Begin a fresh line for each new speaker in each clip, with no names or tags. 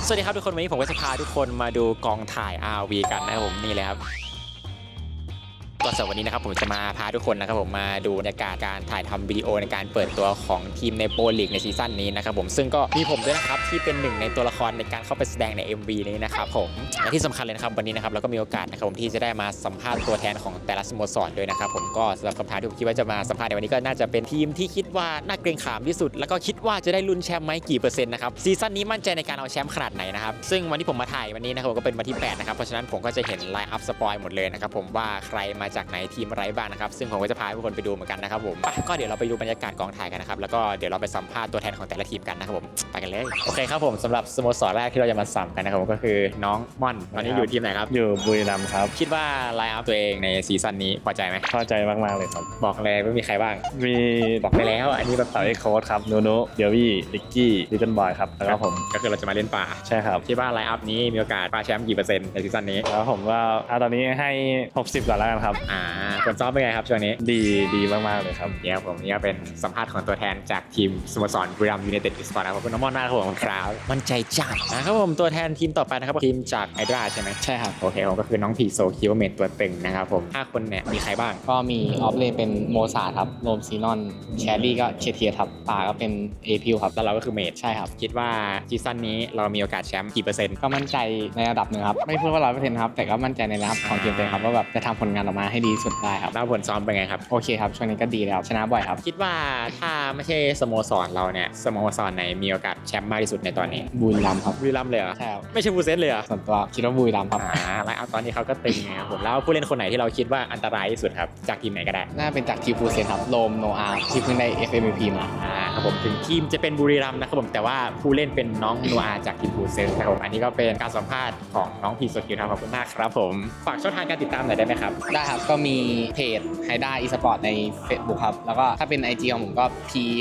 สวัสดีครับทุกคนวันนี้ผมก็จะพาทุกคนมาดูกองถ่าย RV กันนะครับผมนี่เลยครับก็สำหรับวันนี้นะครับผมจะมาพาทุกคนนะครับผมมาดูบรรยากาศการถ่ายทำวิดีโอในการเปิดตัวของทีมในโปรลีกในซีซั่นนี้นะครับผมซึ่งก็มีผมด้วยนะครับที่เป็นหนึ่งในตัวละครในการเข้าไปแสดงใน MV นี้นะครับผมและที่สำคัญเลยนะครับวันนี้นะครับเราก็มีโอกาสนะครับผมที่จะได้มาสัมภาษณ์ตัวแทนของแต่ละสโมสรด้วยนะครับผมก็สำหรับคำถามที่ผมคิดว่าจะมาสัมภาษณ์ในวันนี้ก็น่าจะเป็นทีมที่คิดว่าน่าเกรงขามที่สุดแล้วก็คิดว่าจะได้ลุ้นแชมป์ไหมกี่เปอร์เซ็นต์นะครับซีซั่นนี้มั่นใจในการเอาแชมป์ขนาดไหนนะครับซึ่งวันที่ผมมาถ่ายวันนี้นะครับก็เป็นวันที่8นะครับเพราะฉะนั้นผมก็จะเห็นไลน์อัพสปอยหมดเลยนะครับผมว่าใครมาจากไหนทีมอะไรบ้างนะครับซึ่งผมก็จะพาทุกคนไปดูเหมือนกันนะครับผมก็เดี๋ยวเราไปดูบรรยากาศกองถ่ายกันนะครับแล้วก็เดี๋ยวเราไปสัมภาษณ์ตัวแทนของแต่ละทีมกันนะครับผมไปกันเลยโอเคครับผมสำหรับสโมสรแรกที่เราจะมาสัมกันนะครับผมก็คือน้องม่อนตอนนี้อยู่ทีมไหนครับ
อยู่บุรีรัมย์ครับ
คิดว่าไลน์อัพตัวเองในซีซั่นนี้พอใจไหม
พอใจมากๆเลยครับ
บอกเลยว่ามีใครบ้าง
มี
บอกไปแล้วอันนี้แบบ
เต๋าเอ็กโค้ดครับโนโนเดียวี่ลิกกี้ลิตเติ้ลบอยครับแล้วก็ผม
ก็คือเราจะมาเล่นป่า
ใช่ครับ
คิดว่าไลน์อัพนี้มีโอกาสคว้าแชมป์กี่เปอร์เซ็นต์ในซีซั่นนี้
แล้วผมว่าตอนนี้ให้60ก่อนแล้วกันครับ
ผลซ้อมเป็นไงครับช่วงนี้
ดีมากๆเลยครับ
เนี่ยผมนี่ก็เป็นสัมภาษณ์ของตัวแทนจากทีมสโมสรบุรีรัมย์ยูไนเต็ดอีสปอร์ตนะครับคุณน้องม่อนมากครับผมครับมั่นใจจัดนะครับผมตัวแทนทีมต่อไปนะครับทีมจากไฮดราใช่ไหม
ใช่ครับ
โอเคผมก็คือน้องพีโซคิวเมนตัวตึงนะครับผม5คนเนี่ยมีใครบ้าง
ก็มีออฟเลนเป็นโมซาครับโรมซีนอนแชรี่ก็เชเทียครับป่าก็เป็นเอพิวครับ
แล้วเราก็คือเมด
ใช่ครับ
คิดว่าซีซั่นนี้เรามีโอกาสแชมป์กี่เปอร์เซ็นต์
ก็มั่นใจในระดับหนึ่งครับไม่พูดว่า100%ครับแต่ก็มั่นใจในระดับของทีมเลยครับว่าแบบจะทำผลงานออกมาให้ดีสุดได้ครับ
แล้วผลซ้อมเป็นไงครับ
โอเคครับช่วงนี้ก็ดีแล้วชนะบ่อยครับ
คิดว่าถ้าไม่ใช่สโมสรเราเนี่ยสโมสรไหนมีโอกาสแชมป์มากที่สุดในตอนนี้
บุรีรัมย์ครับ
บุรีรัมย์เลยเหรอ
ใช่ครับ
ไม่ใช่บูเซนเลยเหรอ
ส่วนตัวคิดว่าบุรีรัมย์ครับ
แล้วเอาตอนนี้เขาก็ตึงไงครับผมแล้วผู้เล่นคนไหนที่เราคิดว่าอันตรายที่สุดครับจากทีมไหนก็ได้
น่าเป็นจากทีมฟูเซนครับโรมโนอาร์ที่เพิ่งได้ FMVP มา
ครับผมถึงทีมจะเป็นบุรีรัมย์นะครับผมแต่ว่าผู้เล่นเป็นน้องโนอาจากทีมฟูเซนนะครับผมอันนี้ก็เป็นการสัมภาษณ์ของน้องพีโซคิวครับขอบคุณมากครับผมฝากช่องทางการติดตามหน่อยได้ไหมครับ
ได้ครับก็มีเพจไฮด้าอีสปอร์ตใน Facebook ครับแล้วก็ถ้าเป็น IG ของผมก็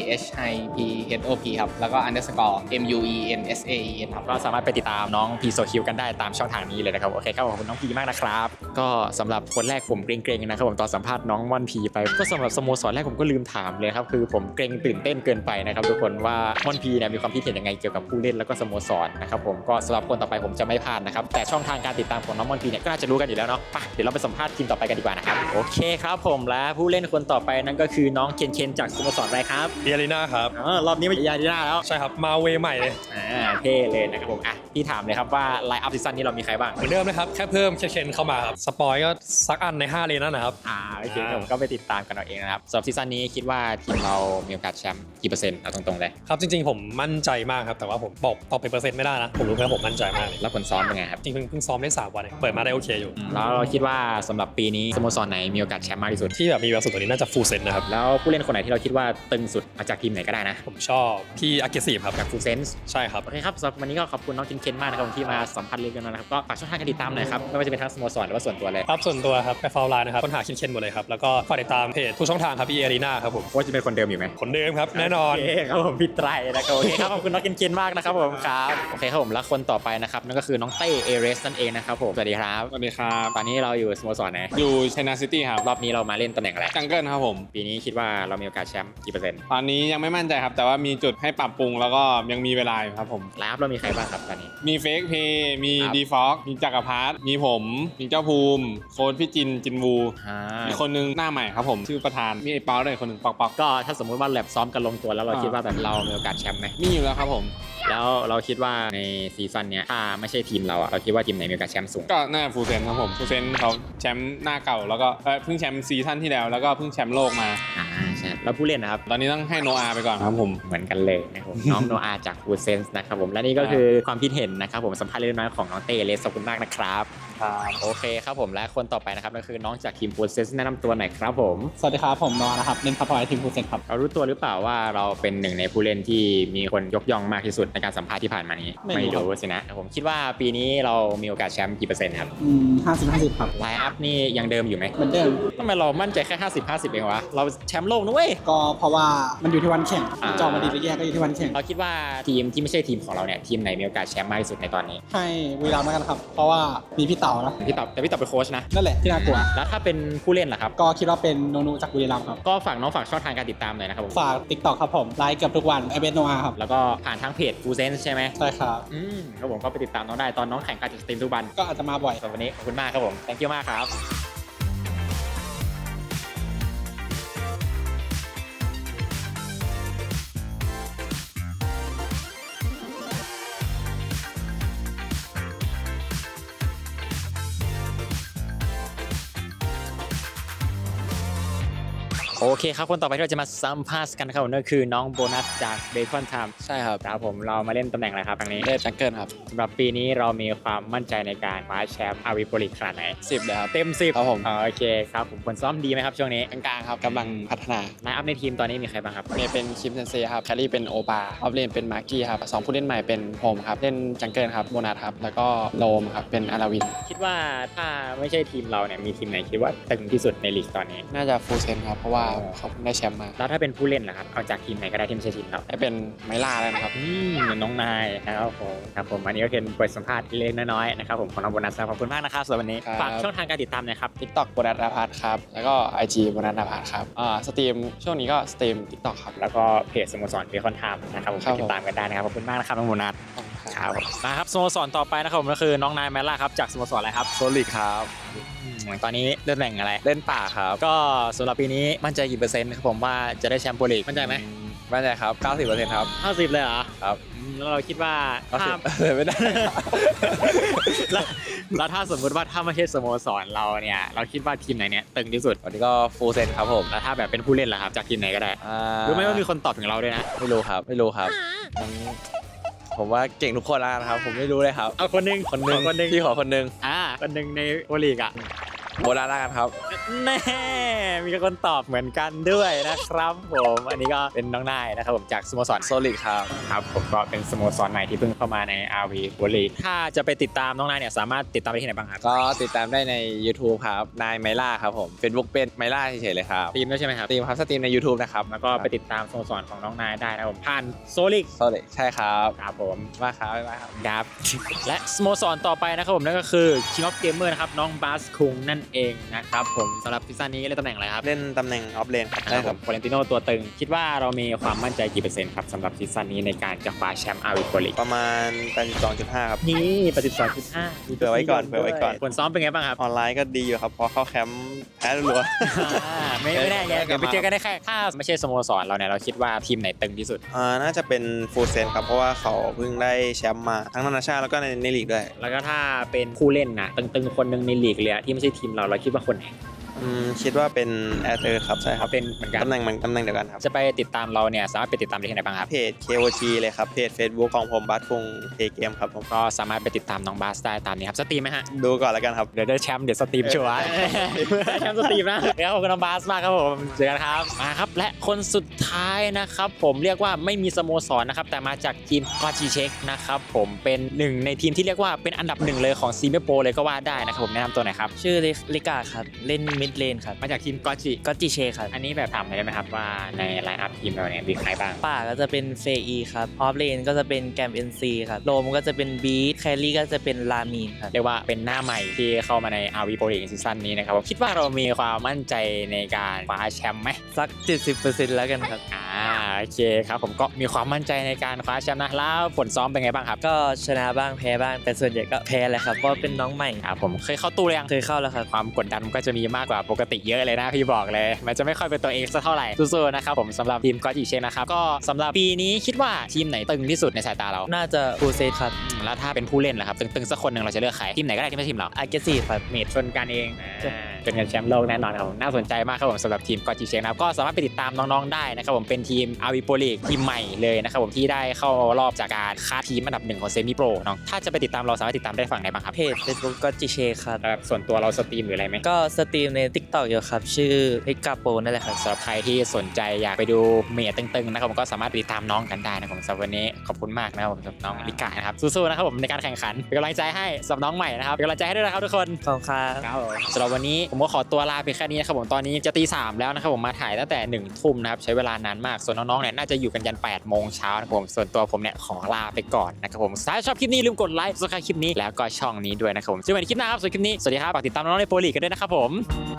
PHIPHOP ครับแล้วก็ underscore MUENSAEN ครับ
ก็สามารถไปติดตามน้องพีโซคิวกันได้ตามช่องทางนี้เลยนะครับโอเคครับขอบคุณน้องพีมากนะครับก็สำหรับคนแรกผมเกรงๆนะครับผมตอนสัมภาษณ์น้องม่อนพีไปก็สำหรับสโมสรแรกผมก็ลืมถามเลยครับคือผมเกรงตื่นเต้นเกินไปนะครับทุกคนว่าม่อนพีเนี่ยมีความคิดเห็นยังไงเกี่ยวกับผู้เล่นแล้วก็สโมสรนะครับผมก็สำหรับคนต่อไปผมจะไม่พลาดนะครับแต่ช่องทางการติดตามของน้องม่อนพีเนี่ยก็น่าจะรู้กันอยู่แล้วเนาะไปเดี๋ยวเราไปสัมภาษณ์ทีมต่อไปกันดีกว่านะครับโอเคครับผมและผู้เล่นคนต่อไปนั่นก็คือน้องเคนจากสโมสรอะไรครับ
เออารีนาครับ
รอบนี้ไม่เออารีนาแล้ว
ใช่ครับมาเวใหม่เลย
เท่เลยนะครับผมพี่ถามเลยครับว่าไลน์อัพซีซั่นนี้เรามีใครบ้าง
เหมือนเดิมนะครับแค่เพิ่มเคนเข้ามาครับสปอยก็สักอันใน5เลนนั่นนะครับ
โอเคผมก็ไปติดตามกันเอาเองนะครับสำหรับซีซั่นนี้คิดว่าทีมเรามีโอกาสแชมป์กี่เปอร์เซ็นต์เอาตรงๆเลย
ครับจริงๆผมมั่นใจมากครับแต่ว่าผมบอกเป็นเปอร์เซ็นต์ไม่ได้นะผมรู้แค่ผมมั่นใจมากเลย
แล้วผลซ้อมเป็นไงครับ
จริงเพิ่งซ้อมได้3 วันเปิดมาได้โอเคอยู่
แล้วเราคิดว่าสำหรับปีนี้สโมสรไหนมีโอกาสแชมป์มากที่สุด
ที่แบบมีแบบสุดตัวนี้น่าจะฟูลเซนนะครับ
แล้วผู้เล่นคนไหนที่เราคิดว่าตึงสุดมาจากทีมไหนก็ได้นะ
ผมชอบพี่อากิซีครับ
จากฟูลเซนส์
ใช่ครับ
โอเคครับสำหรับวันนี้ก็ขอบคุณน้องเคนมากนะครับที่มาสัมภาษณ์เรื่องกันนะครับก็ฝากช่องทางการติดตามหน่อยครับไม่ว่าจะเป็นทั้งสโมสรหรือว่าส่วนตัวเลย
ครับส่วนตัวครับไปฟอลไลน์นะครับค้นหาเคนหมดเลยครับแล้วก็ฝากติดตามเพจทุกช่องทางครับพี่เอรีนาครับผม
ว่าจะเป็นคนเดิมอยู่ไหม
คนเดิมครับแน่นอน
โอเคครับผมพี่ไตรนะครับโอเคครับขอบคุณน้องเคนมากนะครับผมครับโอเคครับผมแล้วคนต่อไปนะครับนั่นก็คือน้องเต้เอเรสนั่นเองนะครับผมสวัสดีครับ
สวัสดีครับ
ตอนนี้เราอยู่สโมสรไหน
อยู่ไชน่าซิตี้ครับ
รอบนี้เรามาเล่นตำแหน่งอะไร
จังเกิลครับผม
ปีนี้คิดว่าเรามีโอกาสแชมป์กี่เปอร์เซ็นต์
ตอนนี้ยังไม่มั่นใจครับแต่ว่ามีจุดให้ปรับปรุงแล้วก็ยังมีเวลาอยู่ครับผม
แล้วเรามีใครบ้างครับตอนนี้
มีเฟกเพย์มีดีฟ็อกมีจักรพรรดิมีผมมีเจ้าภูมิโค้ชพี่จินวูมีคนนึงหน้าใหม่ครับผมชื่อประธานมีไอ้เปาด้วยคนนึงปอก
ก็ถ้าสมมุติว่าแลบซ้อมกันลงตัวแล้วเราคิดว่าแบบเรามีโอกาสแชมป์ไหม
มีอยู่แล้วครับผม
แล้วเราคิดว่าในซีซั่นนี้ถ้าไม่ใช่ทีมเราเราคิดว่าทีมไหนมีโอกาสแชมป์สูง
ก็น่าฟูเซนครับผมฟูเซนเขาแชมป์หน้าเก่าแล้วก็เพิ่งแชมป์ซีซั่นที่แล้วแล้วก็เพิ่งแชมป์โลกมา
ใช่แล้วผู้เล่นนะครับ
ตอนนี้ต้องให้โนอาไปก่อนครับผม
เหมือนกันเลยนะครับน้องโนอาจากฟูเซนส์นะครับผมและนี่ก็คือความคิดเห็นนะครับผมสัมภาษณ์เล็กน้อยของน้องเต้เลสขอบคุณมากนะครับโอเคครับผมและคนต่อไปนะครับนั่นคือน้องจากทีมฟูเซนส์แนะนำตัวหน่อยครับผม
สวัสดีครับผมนอนะครับเล่นพัพอยทีมฟูเซนครับ
เรารู้ตัวหรือเปล่าว่าเราเป็นหนึ่งในผู้เล่นที่มีคนยกย่องมากที่สุดในการสัมภาษณ์ที่ผ่านมานี้ไม่รู้สินะผมคิดว่าปีนี้เรามีโอกาสแชมป์กี่เปอร์เซ็นต์ครับ
50-50ครับ
ไลน์อัพนี่ยังเดิมอยู่ไหม
เหมือนเดิม
ทำไมเรามั่นใจแค่50-50เองวะเราแชมป์โลกนะเว้ย
ก็เพราะว่ามันอยู่ที่วันแข่งจอมาดีหรือแย่ก็อยู่ที่วันแข่ง
เราคิดว่าทีมที่ไม่ใช่ทีมของเราเนี่ยทีมไหนมีโอกาสแชมป์มากที่สุดในตอนนี้
ให้บุรีรัมย์แล้วกันครับเพราะว่ามีพี่เต๋
เต๋านะ
พี่ตอบแต่พี่ตอบเป็นโค้ชนะ
นั่นแหละที่น่ากลัว
แล้วถ้าเป็นผู้เล่นล่ะครับ
ก็คิดว่าเป็นโนนูจากบุรีรัมย์ครับ
ก็ฝากน้องฝากช่องทางการติดตามหน่อยนะครับผม
ฝาก TikTok ครับผมไลฟ์เกือบทุกวันไอเบสโนอาครับ
แล้วก็ผ่านทางเพจฟูเซนใช่ไหม
ใช่ครับ
ครับผมก็ไปติดตามน้องได้ตอนน้องแข่งการจัดสตรีมทุกวัน
ก็อาจจะมาบ่อย
สำหรับวันนี้ขอบคุณมากครับผม thank you มากครับ โอเคครับคนต่อไปที่เราจะมาสัมภาษณ์กันนะครับผมนั่นคือน้องโบนัสจากเบคอนไทม์
ใช่ครับ
ครับผมเรามาเล่นตำแหน่งอะไรครับครั้งนี้
เล่นจังเกิลครับ
สำหรับปีนี้เรามีความมั่นใจในการคว้าแชมป์อาวีโปรลีกขนาดไหน
10เลยครับ
เต็ม10
ครับผม
โอเคครับผมผลซ้อมดีไหมครับช่วงนี้
กลางๆครับกำลังพัฒนา
ไลน์อัพในทีมตอนนี้มีใครบ้างครับ
เมย์เป็นคิมเซนเซครับแคลรี่เป็นโอปาออฟเลนเป็นมาร์กี้ครับสองผู้เล่นใหม่เป็นโฮมครับเล่นจังเกิลครับโบนัสครับแล้วก็โลมครับเป็นอาราวิน
คิดว่าถ้าไม่ใช่ทีมเราเนี่ยมีทีมไหนคิดว่าตึงที่สุดในลีกตอนนี้
น่าจะฟูลเซนครับเพราะว่าเขาเพิ่งได้แชมป์มา
แล้วถ้าเป็นผู้เล่นล่ะครับเอาจากทีมไหนก็ได้ที่ไม่ใช่ทีมเรา
ได้เป็นไมล่าแล้วนะครับ
น้องนายนะครับผมครับผมอันนี้ก็เป็นบทสัมภาษณ์เล็กๆน้อยๆนะครับผมของน้องโบนัสขอบคุณมากนะครับสำหรับวันนี้
ครับ
ฝากช่องทางการติดตามหน่อยครับ
TikTok โบนัสอาพาร์ตครับแล้วก็ IG โบนัสอาพาร์ตครับสตรีมช่วงนี้ก็สตรีม TikTok ครับ
แล้วก็เพจสโมสรเบคอนไทม์นะครับผม
ครั
ไป
บ
ติดตามกันได้นะครับขอบคุณมากนะครับน้องโบนัส
ครับ
มาครับสโมสรต่อไปนะครับผมก็คือน้องนายแมลล่าครับจากสโมสรอะไรครับ
โซลิดครับ
ตอนนี้เล่นแบ่งอะไร
เล่นป่าครับ
ก็สำหรับปีนี้มั่นใจกี่เปอร์เซ็นต์ครับผมว่าจะได้แชมป์โปรลีกมั่นใจไหม
มั่นใจครับ 90%ครับ
50เลยเหรอ
ครับ
แล้วเราคิดว่าถ้า
90ไม่ได้
แล้วถ้าสมมติว่าถ้าไม่ใช่สโมสรเราเนี่ยเราคิดว่าทีมไหนเนี่ยตึงที่สุด
วันนี้ก็ฟูลเซนครับผม
แล้วถ้าแบบเป็นผู้เล่นล่ะครับจากทีมไหนก็ได้ รู้ไหมว่ามีคนตอบถึงเราด้วยนะ
ไม่รู้ครับ ไม่รู้ครับมันผมว่าเก่งทุกคนแล้วนะครับ ผมไม่รู้เลยครับ
เอาคนหนึง
คนหนึง
ขอคนหนึง
พี่ขอคนหนึง
คนหนึงในโปรลีกอ่ะ
โบราณแล้วกันครับ
แน่มีคนตอบเหมือนกันด้วยนะครับผมอันนี้ก็เป็นน้องนายนะครับผมจากสโมสร
โซลิดครับ
ครับผมก็เป็นสโมสรใหม่ที่เพิ่งเข้ามาใน RV โปรลีกถ้าจะไปติดตามน้องนายเนี่ยสามารถติดตามได้ที่ไหนบ้างครับ
ก็ติดตามได้ใน YouTube ครับนายไมล่าครับผม Facebook เป็นไมล่าเฉยๆเลยครับ
ทีมด้วยใช่ไหมครับ
สตรีมครับสตรีมใน YouTube นะครับ
แล้วก็ไปติดตามสโมสรของน้องนายได้นะครับผมผ่านโซลิก
โซลิดใช่ครับ
ครับผม
มาครับบ๊ายบายครับ
ครับ และสโมสรต่อไปนะครับผมนั่นก็คือ King of Gamer นะครับน้องบาสคุงนั่นเองนะครับผมสำหรับซีซั่นนี้เล่นตำแหน่งอะไรครับ
เล่นตำแหน่งออฟเลนครับ
ได้ครับโฟเรนติโนตัวตึง คิดว่าเรามีความมั่นใจกี่เปอร์เซ็นต์ครับสำหรับซีซั่นนี้ในการจะคว้าแชมป์อาวีโปรลีก
ประมาณ 82.5 ครับ
นี่82.5
เผื่อไว้ก่อนเผื่อไว้ก่อน
ผลซ้อมเป็นไงบ้างครับ
ออนไลน์ก็ดีอยู่ครับ พอเข้าแคมป์แพ้รัว
ไม่แน่ไงเดี๋ยวไปเจอกันได้แค่ถ้าไม่ใช่สโมสรเราเนี่ยเราคิดว่าทีมไหนตึงที่สุด
น่าจะเป็นฟูลเซนครับ เพราะว่าเขาเพิ่งได้แชมป์มาทั้งนานาชาติแล้วก็ในลีกด้วย
แล้วก็ถ้าเป็นผู้เล่นนะตึงๆคนหนึ่งในลีกเลยอะที่ไม่ใช่ทีมเราคิดว่าคนไหน
คิดว่าเป็นแอร์เตอร์ครับ ใช่ค
เขา
รับ
เป็นเหมือนกัน
ตำแหน่งเดียวกันครับ
จะไปติดตามเราเนี่ยสามารถไปติดตามได้ที่ไหนบ้างครับ
เพจ KOG เลยครับ เพจ Facebook ของผมบัสคงเพย์เกมครับผม
ก็สามารถไปติดตามน้องบาสได้ตามนี้ครับสตรีมไหมฮะ
ดูก่อนแล้วกันครับ
เดี๋ยวได้แชมป์เดี๋ยวสตรีมชัวร์ แชมป์สตรีมนะเดี๋ยวขอบคุณน้องบาสมากครับผมเจอกันครับมาครับและคนสุดท้ายนะครับผมเรียกว่าไม่มีสโมสรนะครับแต่มาจากทีมกอจีเช็คนะครับผมเป็นหนึ่งในทีมที่เรียกว่าเป็นอันดับหนึ่งเลยของซีเมโปเลยก็ว่าได้นะครับผมแนะนำตัวหน่อยครับ
ชื่อลิกาครับ เล่นมิดเลนครับ
มาจากทีมกอจิ
ก็จิเชครับ
อันนี้แบบถามหน่อยได้ไหมครับว่าในไลน์อัพทีมเราเนี่ยมีใครบ้าง
ป่าก็จะเป็นเฟอีครับ ออฟเลนก็จะเป็นแกมเอ็นซีครับ โลมก็จะเป็นบีทแคลรี่ก็จะเป็นลามีนครับ
เรียกว่าเป็นหน้าใหม่ที่เข้ามาใน RV Pro League ซีซั่นนี้นะครับผมคิดว่าเรามีความมั่นใจในการคว้าแชมป์ไหม
สัก 70%แล้วกันครับ
โอเคครับผมก็มีความมั่นใจในการคว้าแชมป์นะแล้วผลซ้อมเป็นไงบ้างครับ
ก็ชนะบ้างแพ้บ้าง แต่ส่วนใหญ่ก็แพ้แหละครับ เพราะเป็นน้องใหม่
ครับผมเคยเข้าตู้หรือยัง
เคยเข้าแล้วครับ
ความกดดันมันก็จะมีมากกว่าปกติเยอะเลยนะพี่บอกเลย มันจะไม่ค่อยเป็นตัวเองสักเท่าไหร่สู้ๆนะครับผมสำหรับทีมก็จีเชนนะครับก็สำหรับปีนี้คิดว่าทีมไหนตึงที่สุดในสายตาเรา
น่าจะฟูเซตครับ
แล้วถ้าเป็นผู้เล่นล่ะครับตึงๆสักคนหนึ่งเราจะเลือกใครทีมไหนก็ได้ที่ไม่ใช่ทีมเรา
อาร์เกซีครับ
เมดชนกันเองเป็นกันแชมป์โลกแน่นอนครับผมน่าสนใจมากครับผมสำหรับทีมกอจีเชนนะครับก็สามารถไปติดตามน้องๆได้นะครับผมเป็นทีมอาวีโปรลีกทีมใหม่เลยนะครับผมที่ได้เข้ารอบจากการคัดทีมอันดับหนึ่งของเซมิโปรเนาะถ้าจะไปติดตามเราสามารถติดตามได้ฝั่งไหนบ้างครับ
เพจ Facebook ก็จิเชครับ
แบบส่วนตัวเราสตรีมหรืออะไรไหม
ก็สตรีมใน TikTok อยู่ครับ ชื่อลิกาโปนั่นแหละครับ
สำหรับใครที่สนใจอยากไปดูเมทตึงๆนะครับผมก็สามารถไปติดตามน้องกันได้นะครับผมสำหรับวันนี้ขอบคุณมากนะครับผมสำหรับน้องลิกานะครับสู้ๆนะครับผมในการแข่งขันเป็นกำลังใจให้สำหรับน้องใหม่นะครับเป็นกำลังใจให้ด้วยนะครับทุกคน
ขอบคุณครับ
ครับผมสำหรับวันนี้ผมก็ขอตัวลาไปแค่นี้นะครับผมตอนนี้จะตี 3แล้วนะครับผมมาถ่ายตั้งแต่ 1 ทุ่มนะครับใช้เวลานานมากส่วนน้องๆเนี่ยน่าจะอยู่กันยัน 8 โมงเช้านะครับผมส่วนตัวผมเนี่ยขอลาไปก่อนนะครับผมถ้าชอบคลิปนี้ลืมกดไลค์ซับสไครบ์คลิปนี้แล้วก็ช่องนี้ด้วยนะครับผมเจอกันในคลิปหน้าครับส่วนคลิปนี้สวัสดีครับฝากติดตามน้องๆในโปรลีกกันด้วยนะครับผม